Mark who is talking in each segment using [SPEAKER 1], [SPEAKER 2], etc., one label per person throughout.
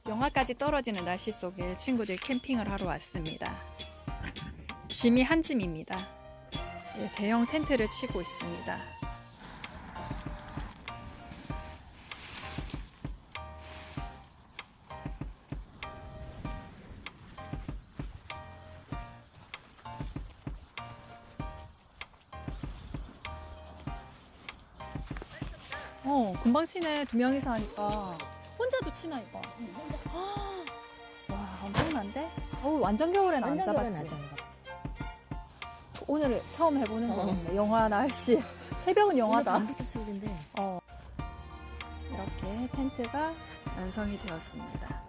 [SPEAKER 1] 영하까지 떨어지는 날씨 속에 친구들 캠핑을 하러 왔습니다. 짐이 한 짐입니다. 예, 대형 텐트를 치고 있습니다. 금방 치네. 두 명이서 하니까. 혼자도 치나 이거? 와, 엄청난데? 완전 겨울엔 안 잡았지. 오늘 처음 해보는 거겠네. 영하 날씨. 새벽은 영하다.
[SPEAKER 2] 밤부터 추워진대.
[SPEAKER 1] 이렇게 텐트가 완성이 되었습니다.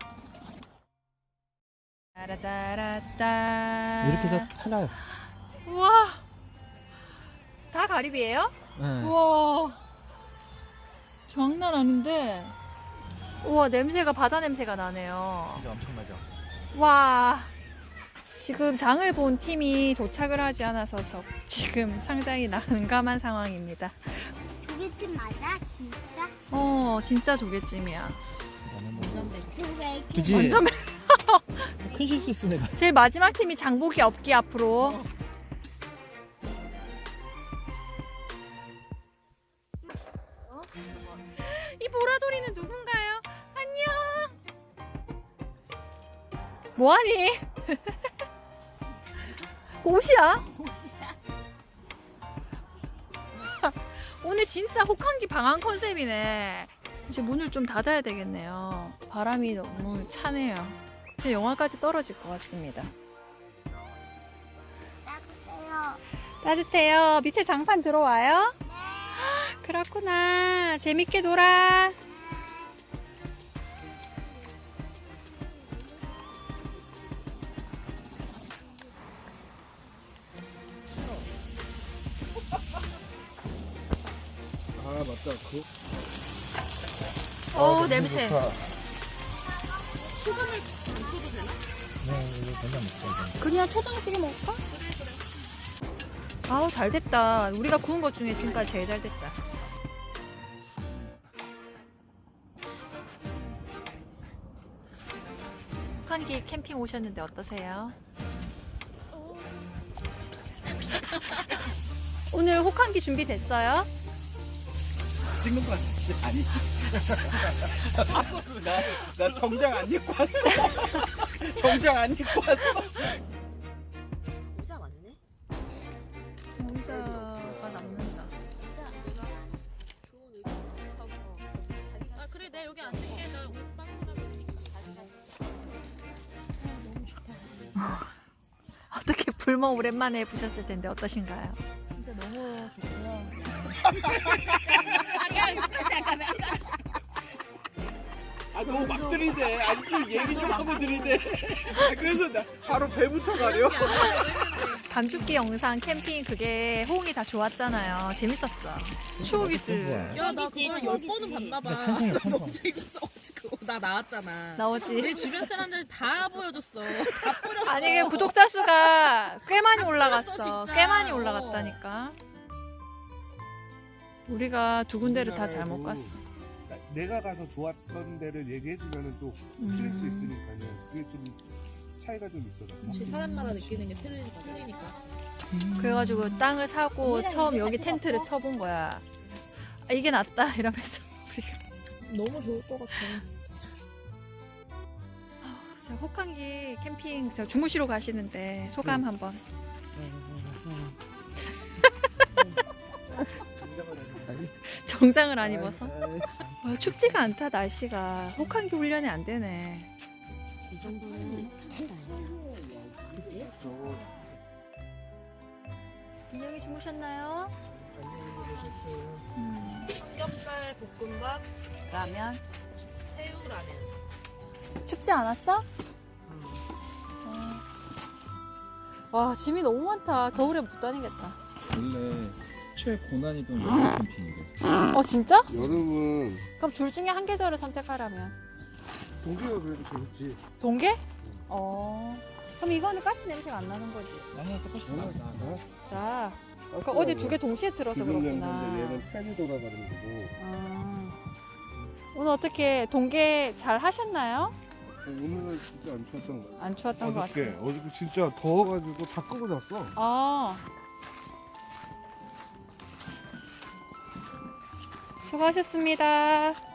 [SPEAKER 1] 따라따라따.
[SPEAKER 3] 이렇게 해서 팔아요.
[SPEAKER 1] 우와, 다 가리비예요?
[SPEAKER 3] 네.
[SPEAKER 1] 우와, 장난 아닌데. 우와, 냄새가 바다 냄새가 나네요.
[SPEAKER 3] 이제 엄청 나죠.
[SPEAKER 1] 와, 지금 장을 본 팀이 도착을 하지 않아서 지금 상당히 난감한 상황입니다.
[SPEAKER 4] 조개찜 맞아? 진짜?
[SPEAKER 1] 진짜 조개찜이야.
[SPEAKER 4] 조개
[SPEAKER 3] 그지?
[SPEAKER 1] 완전
[SPEAKER 3] 큰 실수 내가.
[SPEAKER 1] 제일 마지막 팀이 장보기 없기 앞으로. 이 보라돌이는 누군가요? 안녕. 뭐하니? 옷이야? 오늘 진짜 혹한기 방한 컨셉이네. 이제 문을 좀 닫아야 되겠네요. 바람이 너무 차네요. 제 영하까지 떨어질 것 같습니다.
[SPEAKER 4] 따뜻해요.
[SPEAKER 1] 따뜻해요. 밑에 장판 들어와요? 그렇구나. 재밌게 놀아.
[SPEAKER 5] 아 맞다
[SPEAKER 1] 냄새. 그냥 초장찌개 먹을까? 아우, 잘 됐다. 우리가 구운 것 중에 지금까지 제일 잘 됐다. 혹한기 캠핑 오셨는데 어떠세요? 오늘 혹한기 준비됐어요?
[SPEAKER 5] 찍는 거 아니지? 나 정장 안 입고 왔어. 정장 안 입고 왔어.
[SPEAKER 2] 의자 왔네.
[SPEAKER 1] 의자가 남는다.
[SPEAKER 2] 의자 내가 좋은 의자 사고. 아 그래 내가 여기 앉을게. 나 옷방보다
[SPEAKER 1] 어떻게 불멍 오랜만에 해보셨을 텐데 어떠신가요?
[SPEAKER 2] 진짜 너무 좋고요.
[SPEAKER 5] 아 너무 막 들이대. 아니 좀 얘기 좀 하고 들이대. 그래서 나 바로 배부터 가려.
[SPEAKER 1] 감축기 영상 캠핑 그게 호응이 다 좋았잖아요. 재밌었죠? 추억이지.
[SPEAKER 2] 야 나 그거 10번은 봤나봐. 나 너무 재밌어. 그거 나 나왔잖아.
[SPEAKER 1] 나오지?
[SPEAKER 2] 내 주변 사람들 다 보여줬어. 다 뿌렸어.
[SPEAKER 1] 아니 그 구독자 수가 꽤 많이 올라갔어.
[SPEAKER 2] 진짜.
[SPEAKER 1] 꽤 많이 올라갔다니까. 우리가 두 군데를 다 잘 못 갔어.
[SPEAKER 5] 내가 가서 좋았던 데를 얘기해주면 또 틀릴 수 있으니까요. 그게 좀 차이가 좀 있더라고요.
[SPEAKER 2] 제 사람마다 느끼는 게 틀리니까.
[SPEAKER 1] 그래가지고 땅을 사고 처음 여기 텐트를 쳐본 거야. 아, 이게 낫다 이러면서 우리가.
[SPEAKER 2] 너무 좋을 것 같아.
[SPEAKER 1] 자, 혹한기 캠핑 저 주무시러 가시는데 소감 한번. 정장을 안 입어서? 춥지가 않다 날씨가. 혹한기 훈련이 안 되네.
[SPEAKER 2] 이 정도는 한다요. 그치?
[SPEAKER 1] 인형이 주무셨나요?
[SPEAKER 2] 삼겹살 볶음밥,
[SPEAKER 1] 라면.
[SPEAKER 2] 새우라면.
[SPEAKER 1] 춥지 않았어? 와, 짐이 너무 많다. 겨울에 못 다니겠다.
[SPEAKER 3] 원래 최고난이던 여름 캠핑인데.
[SPEAKER 1] 진짜?
[SPEAKER 5] 여름은
[SPEAKER 1] 그럼 둘 중에 한 계절을 선택하라면
[SPEAKER 5] 동계가 그래도 재밌지.
[SPEAKER 1] 동계? 그럼 이거는 가스 냄새가 안 나는 거지.
[SPEAKER 3] 아니야 똑같이 나.
[SPEAKER 1] 자, 어제 두 개 동시에 틀어서 그렇구나.
[SPEAKER 5] 얘는 팬이 돌아가는 거고.
[SPEAKER 1] 오늘 어떻게 동계 잘 하셨나요?
[SPEAKER 5] 오늘은 진짜 안 추웠던 거 같아.
[SPEAKER 1] 안 추웠던 것 같아요.
[SPEAKER 5] 어저께 진짜 더워가지고 다 끄고 잤어.
[SPEAKER 1] 아. 수고하셨습니다.